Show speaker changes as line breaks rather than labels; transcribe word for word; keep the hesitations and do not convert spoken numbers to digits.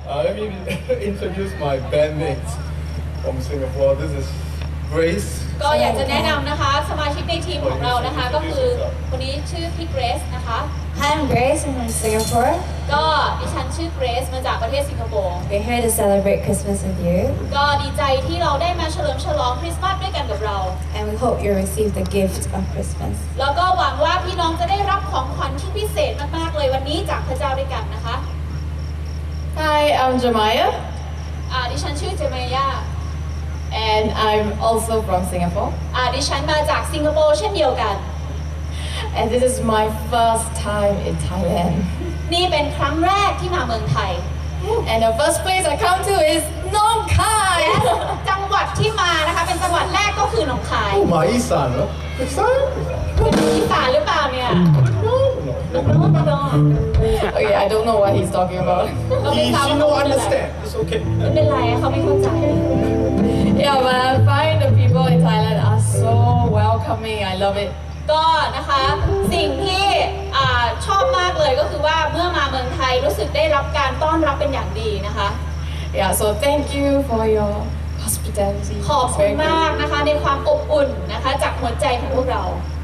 Uh, let me introduce my bandmates from Singapore. This is Grace.
ก็อยากจะแนะนำนะคะสมาชิกในทีมของเรานะคะก็คือคนนี้ชื่อพี่เกรซนะคะ
Hi, I'm Grace. I'm from Singapore.
ก็ดิฉันชื่อเกรซมาจากประเทศสิงคโปร์
We're here to celebrate Christmas with you,
ก็ดีใจที่เราได้มาเฉลิมฉลองคริสต์มาสด้วยกันกับเรา
and we hope you receive the gift of Christmas.
แล้วก็หวังว่าพี่น้องจะได้รับของขวัญที่พิเศษมากๆเลยวันนี้จากพระเจ้าด้วยกันนะคะ
Hi, I'm Jamaya,
อ่าดิฉันชื่อเจเมย่า
and I'm also from Singapore.
อ่าดิฉันมาจากสิงคโปร์เช่นเดียวกัน
And this is my first time in Thailand.
นี่เป็นครั้งแรกที่มาเมืองไทย
And the first place I come to is Nong Khai.
จังหวัดที่มานะคะเป็นจังหวัดแรกก็คือหนองคาย
Oh, my Isan, huh? Isan?
เป็นอีสานหรือเปล่าเนี่ย
No, no,
โน้
no.
ตโน้
Okay, I don't know what he's talking about.
ก็ไม่
He,
ทราบ
she
ว่า
no
เขาเป็นอะไร
understand. It's okay.
ไม่เป็นไรเขาไม่เข้าใจ
Yeah, but I find the people in Thailand are so welcoming. I love it.
ก็นะคะสิ่งที่อ่าชอบมากเลยก็คือว่าเมื่อมาเมืองไทยรู้สึกได้รับการต้อนรับเป็นอย่างดีนะคะ
Yeah, so thank you for your hospitality.
ขอบ
It's
คุณ
very good.
มากนะคะในความอบอุ่นนะคะจากหัวใจของพวกเรา
Uh,